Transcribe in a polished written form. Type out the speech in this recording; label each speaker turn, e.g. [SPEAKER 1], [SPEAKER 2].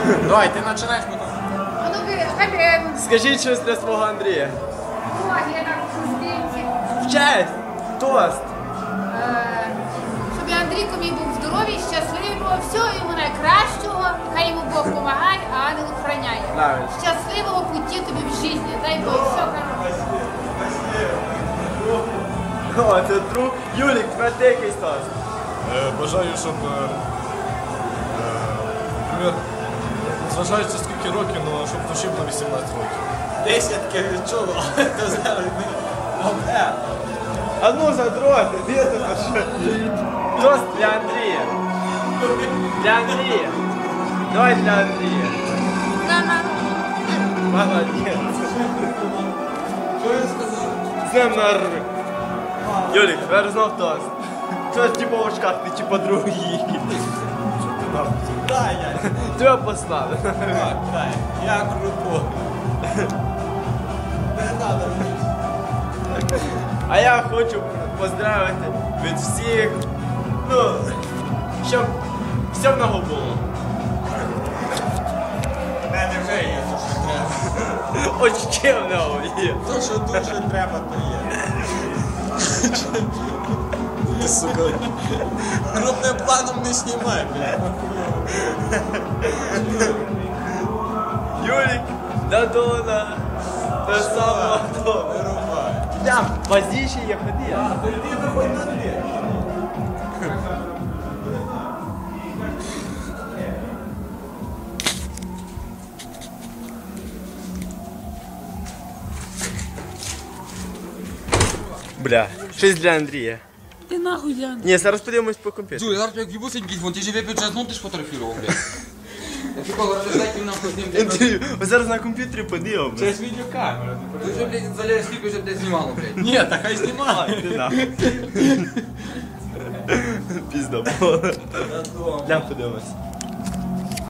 [SPEAKER 1] Давай, ти починаєш потім.
[SPEAKER 2] А ну ви, хай
[SPEAKER 3] Скажіть щось для свого Андрія.
[SPEAKER 2] я так пустинці.
[SPEAKER 3] В честь! Тост!
[SPEAKER 2] Щоб Андрійко мій був здоровий, щасливий, було всього йому найкращого, хай йому Бог допомагає, а ангел охороняє.
[SPEAKER 3] Правильно.
[SPEAKER 2] Щасливого путі тобі в житті, дай Бог, все хороше.
[SPEAKER 3] О, це друг. Юлік, тепер ти якийсь тост.
[SPEAKER 4] Бажаю, щоб, наприклад, зважаючи скільки років, але щоб душі було 18 років.
[SPEAKER 1] Десятки відчуло.
[SPEAKER 3] А ну задроти, де ти що? Тост для Андрія. Для Андрія. Давай для Андрія. Молодець.
[SPEAKER 1] Що він сказав?
[SPEAKER 3] З днем народження. Юлік, тепер знов тост. Що типу в очках, ти типу другий.
[SPEAKER 1] Дай, я.
[SPEAKER 3] Тебе послали.
[SPEAKER 1] Дай, я круто. Не надо мені.
[SPEAKER 3] А я хочу поздравити від всіх, ну, щоб все в нього було.
[SPEAKER 1] В мене вже є, то що треба.
[SPEAKER 3] Очки в нього є.
[SPEAKER 1] То, що дуже треба, то є. Ти, сука, крупним планом не знімай, блядь.
[SPEAKER 3] Юлік, Дадона, те саме.
[SPEAKER 1] Вирубай.
[SPEAKER 3] Там, поздніше є ходи.
[SPEAKER 1] То йди виходь на двір.
[SPEAKER 3] Бля, щось для Андрія.
[SPEAKER 2] Ти нахуй, Ян.
[SPEAKER 3] Ні, зараз подивимось по комп'ютеру.
[SPEAKER 5] Слухай, зараз як в'їбуся якийсь, вон ти живе бюджет, ну ти ж фотографував, блядь. Я типа, розглядайте нахуй з ним, блядь.
[SPEAKER 3] Інтерв'ю. Ось зараз на комп'ютері подивимось.
[SPEAKER 1] Через відеокамеру.
[SPEAKER 5] Ти вже, блядь, заляє скільки вже, блядь, знімало, блядь.
[SPEAKER 1] Ні, та хай знімай.
[SPEAKER 3] Ти нахуй. Пізда було. Глянь, подивимось.